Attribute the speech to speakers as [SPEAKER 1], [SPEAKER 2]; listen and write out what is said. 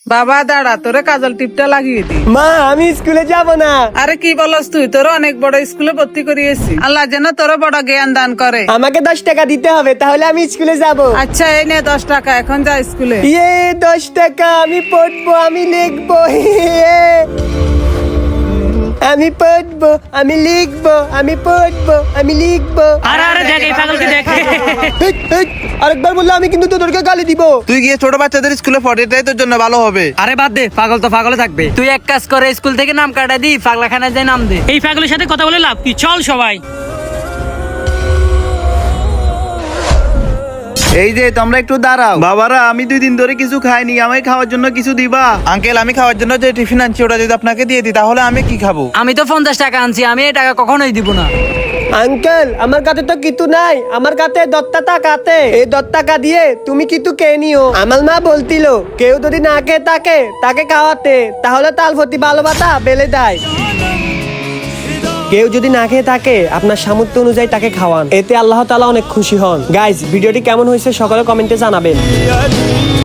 [SPEAKER 1] বাবা দাঁড়া, তোরে কাজল টিপটা লাগিয়ে দি।
[SPEAKER 2] মা আমি স্কুলে যাব না।
[SPEAKER 1] আরে কি বলস তুই? তোর অনেক বড় স্কুলে ভর্তি করিয়েছি। আল্লাহ যেন তোর বড় জ্ঞান দান করে।
[SPEAKER 2] আমাকে 10 টাকা দিতে হবে, তাহলে আমি স্কুলে যাব।
[SPEAKER 1] আচ্ছা এই নে 10 টাকা, এখন যা স্কুলে।
[SPEAKER 2] ইয়ে 10 টাকা, আমি পড়বো, আমি লিখবো। আমি পড়বো, আমি লিখবো, আমি পড়বো, আমি লিখবো।
[SPEAKER 3] আরে আরে দেখ এই পাগলকে দেখ।
[SPEAKER 2] হেই, হেই, আরেকবার বললে আমি কিন্তু তোদেরকে গালি দিব।
[SPEAKER 4] তুই গিয়ে ছোট বাচ্চাদের স্কুলে পড়াটাই তোর জন্য ভালো হবে।
[SPEAKER 5] আরে বাদ দে, পাগল তো পাগলে থাকবে। তুই এক কাজ করে স্কুল থেকে নাম কাটা দি, পাগলাখানায় যাই নাম দে।
[SPEAKER 3] এই পাগলের সাথে কথা বলে লাভ কি? চল সবাই।
[SPEAKER 4] এই যে তোমরা একটু দাঁড়াও। বাবারা আমি 2 দিন ধরে কিছু খাইনি, আমায় খাওয়ার জন্য কিছু দিবা? আঙ্কেল আমি খাওয়ার জন্য যে টিফিন আনছি ওটা যদি আপনাকে দিয়ে দিই তাহলে আমি কি খাবো?
[SPEAKER 5] আমি তো 50 টাকা আনছি, আমি এই টাকা কখনোই দিব না।
[SPEAKER 2] আঙ্কেল আমার কাছে তো কিছু নাই, আমার কাছে 10 টাকা আছে। এই 10 টাকা দিয়ে তুমি কিছু কে নিও। আমার মা বলতিল কেউ যদি না খেয়ে থাকে তাকে খাওয়াতে, তাহলে তাল প্রতি ভালোবাসা বেড়ে দেয়। কেউ যদি না খেয়ে থাকে আপনার সামর্থ্য অনুযায়ী তাকে খাওয়ান, এতে আল্লাহ তাআলা অনেক খুশি হন। গাইস ভিডিওটি কেমন হয়েছে সকলে কমেন্টে জানাবেন।